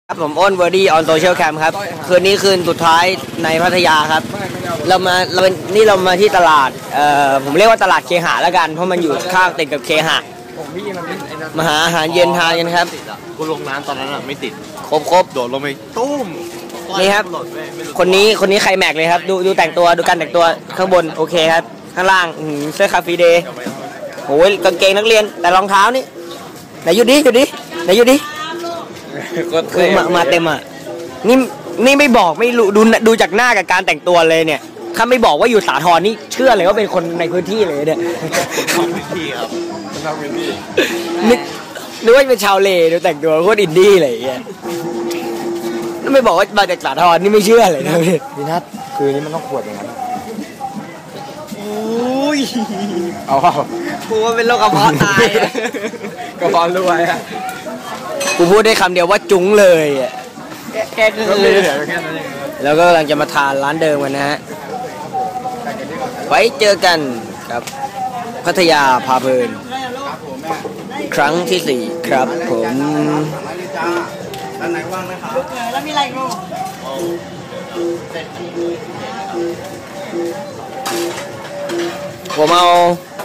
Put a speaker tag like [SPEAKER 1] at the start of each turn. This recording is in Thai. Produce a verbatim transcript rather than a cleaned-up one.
[SPEAKER 1] ครับผมอ้นเวอร์ดี้ออนโซเชียลแคมป์ครับคืนนี้คืนสุดท้ายในพัทยาครับเรามาเรานี่เรามาที่ตลาดเอ่อผมเรียกว่าตลาดเคหะแล้วกันเพราะมันอยู่ข้างติดกับเคหะมาหาอาหารเย็นทานกันครับ
[SPEAKER 2] กูลงน้ำตอนนั้นอะไม่ติด
[SPEAKER 1] ครบครบ
[SPEAKER 2] โดดลงไปตุ้ม
[SPEAKER 1] นี่ครับคนนี้คนนี้ใครแม็กเลยครับดูดูแต่งตัวดูการแต่งตัวข้างบนโอเคครับข้างล่างเสื้อคาฟีเดย์โอ้ยกางเกงนักเรียนแต่รองเท้านี่ไหนอยู่ดิอยู่ดิไหนอยู่ดิคือมามาเต็มอ่ะนี่นี่ไม่บอกไม่รู้ดูดูจากหน้ากับการแต่งตัวเลยเนี่ยถ้าไม่บอกว่าอยู่สาทรนี่เชื่อเลยว่าเป็นคนในพื้นที่เลยเนี่ย
[SPEAKER 2] พื้นที่ครับเป็นชาวพื้นที่
[SPEAKER 1] นึกว่าเป็นชาวเลดูแต่งตัวโคตรอินดี้อะไรอย่างเงี้ยไม่บอกว่ามาจากสาทรนี่ไม่เชื่อเลยนะพี่
[SPEAKER 2] พี่นัทคืนนี้มันต้องขวดอย่างนั้น
[SPEAKER 1] อุ้ย
[SPEAKER 2] เอาเปล่า
[SPEAKER 1] กูว่าเป็นโรคกระเพาะตาย
[SPEAKER 2] กระเพาะรวยอ่ะ
[SPEAKER 1] กูพูดได้คำเดียวว่าจุ้งเลยอ่ะแค่คือแล้วก็กำลังจะมาทานร้านเดิมกันนะฮะไว้เจอกันครับพัทยาพาเพลินครั้งที่สี่ครับผม
[SPEAKER 3] ด้านไหนว่างไหมครับแล้วมีอะไรกู
[SPEAKER 1] ผมเอา